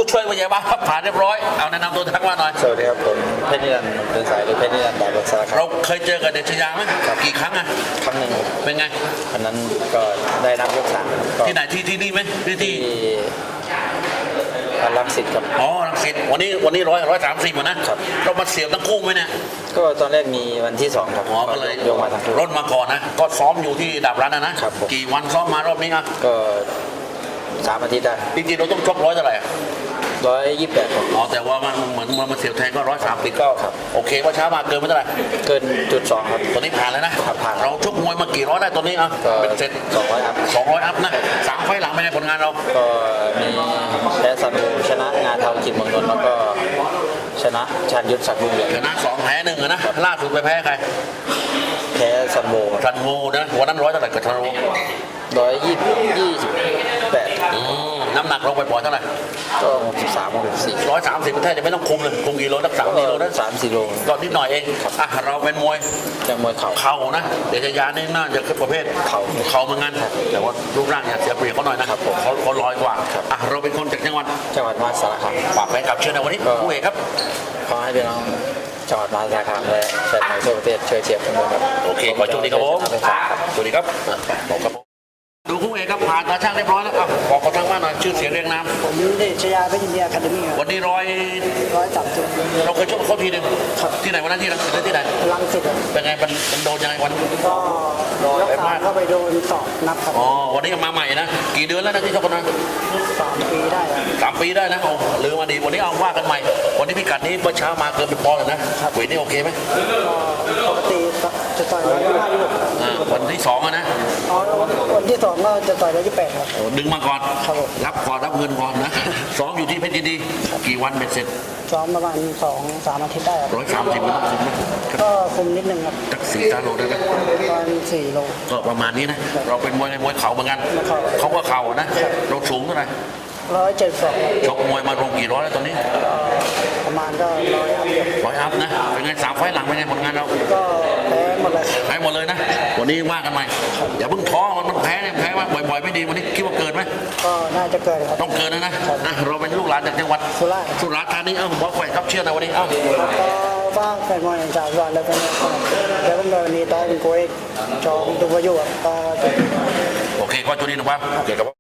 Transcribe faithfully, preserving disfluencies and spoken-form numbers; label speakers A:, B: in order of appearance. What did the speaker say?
A: ช่วยวิญญาบ้านผ่านเรียบร้อยเอาแนะนำตัวทักว่าหน่อย
B: สวัสดีครับผมเพชรนิรันดร์เป็นสายหรือเพชรนิรันดร์ดาบสารคาม
A: เราเคยเจอกับเดชยาไหมกี่ครั้งอะ
B: ครั้งหนึ่ง
A: เป็นไง
B: วันนั้นก็ได้นับยกสาม
A: ที่ไหนที่ที่นี่ไหมที่ที่
B: รังสิตครับ
A: อ๋อรังสิตวันนี้วันนี้ร้อยร้อยสามสิบนะครับเรามาเสียบทั้งคู่ไหมเนี่ย
B: ก็ตอนแรกมีวันที่สองครับ
A: อ๋อก็เลย
B: ยกมาทั้งคู่
A: รถมาก่อนนะก็ซ้อมอยู่ที่ดาบรันนะนะครับกี่วันซ้อมมารอบนี้อ่ะ
B: ก็สามอาทิตย์ได้
A: จริงๆเราต้องชกร้อยเท่าไหร่
B: ร้อยยี่สิบแปดครับ
A: อ๋อแต่ว่ามันเหมือนมันมาเสียบแทงก็ร้อยสามสิบก็ครับโอเคว่าช้ามาเกินไม่เท่าไหร่
B: เกินจุดสองครับ
A: ตอนนี้ผ่านแล้วนะ
B: ผ่าน
A: เราชกมวยมากี่ร้อยได้ตอนนี้อ่ะเป็นเสร็จ
B: สองร้อยอัพ
A: สองร้อยอัพนะสามไฟหลังเป็นไงผลงานเรา
B: ก็มีแพ้สันบูชนะงานเทาจิตเมืองนนท์แล้วก็ชนะชาญยุทธศักดิ์ลุงเหลือง
A: ชนะสองแพ้หนึ่งนะล่าสุดไปแพ้ใคร
B: แพ้สันโบ
A: สันโบนะวันนั้นร้อยเท่าไหร่กับสันโบ
B: ร้อยยี่ยี่สิบแปด
A: น้ำหนักลงไปปล่อยเท่าไหร่
B: ก็หกสิบสามหกสิบสี่
A: ร้อยสามสิบแทบจะไม่ต้องคุมเลยคุมกี่โลสักสามกิโลนะ
B: สามสี่โล
A: ก็นิดหน่อยเองอ่ะเราเป็นมวย
B: จากมวยเข่า
A: เข่านะเดชยานี่น่าจะขึ้นประเภท
B: เข่า
A: เข่าเหมือนกันแต่ว่ารูปร่างเนี่ยเสียเปรียบเขาหน่อยนะครับเขาเขาลอยกว่าอ่ะเราเป็นคนจากจังหวัด
B: จังหวัดมหาสารคาม
A: ฝากแฟนคลับเชิญในวันนี้ผู้เอกครับ
B: ขอให้พี่น้องจังหวัดมหาสารคามและแฟนมวยทั่วประเทศช่วยเชียร์ผมด้วยครับ
A: โอเคขอโชคดีครับผมสวัสดีครับบอกครับดูคู่เอกครับผ่านตาช่างเรียบร้อยแล้วอ่ะบอกเขาทางบ้านหน่อยชื่อเสียงเรียงนาม
C: ผมเดชยาเพชรยินดีอะคาเดมี่
A: วันนี้ร้อย
C: ร้อยสามสิบ
A: เราเคยชกเขาทีหนึ่งที่ไหนวันนั้นที่รังสิตที่ไหน
C: รังสิต
A: เป็นไงมันโดนยังไงวัน
C: ก็ยกขาเข้าไปโดนสอบนับครับ
A: อ๋อวันนี้มาใหม่นะกี่เดือนแล้วนะที่ชกกันนะ
C: สามปีได้
A: สามปีได้นะโอ้ลืมมาดีวันนี้เอาว่ากันใหม่วันนี้พิกัดนี้เมื่อเช้ามาเกินเป็นปอนด์เลยนะเวทนี่โอเคไหม
C: ปกติจะต่อยร้อยยี่สิบห้ายุบ
A: วันที่สองนะ
C: อ๋อวันที่สองก็จะต่อยร้อยยี่สิบแปดครับ
A: ดึงมาก่อนรับก่อนรับเงินก่อนนะซ้อมอยู่ที่เพชรยินดีกี่วันเป็นเสร็จ
C: ซ้อมประมาณสองสามอาทิตย์ได้ครับ
A: ร้อยสามสิบมันต้องคุมไหม
C: ก็คุมนิดนึงครับ
A: จักสี่ตาโลได้ไหม
C: ประมาณสี่โล
A: ก็ประมาณนี้นะเราเป็นมวยในมวยเข่าเหมือนกันเขาก็เข่านะเราสูงเท่าไหร่
C: ร้อยเจ็ดสอง
A: ชกมวยมาลงกี่ร้อยแล้วตอนนี้
C: ประมาณก็ร้อยอัพ
A: ร้อยอัพนะเป็นไงสามไฟหลังเป็นไงผลงานเรา
C: ก็แพ้หมดเลย
A: แพ้หมดเลยนะวันนี้ว่ากันใหม่อย่าเพิ่งท้อมันมันแพ้เนี่ยแพ้ว่าบ่อยๆไม่ดีวันนี้คิดว่าเกินไหม
C: ก็น่าจะเกินครับ
A: ต้องเกินนะนะเราเป็นลูกหลานจากจังหวัด
C: สุราษฎร์
A: สุราษฎร์ธานีเอ้าบอกไว้ครับเชื่อนะวันนี้เอ้า
C: ก็ฟ้าแฟนมวยจากสุราษฎร์แล้วก็แล้วก็วันนี้ตอนเป็นโค้ชจอมตุวายุก็
A: โอเคก็จุดนี้นะครับเกี่ยวกับ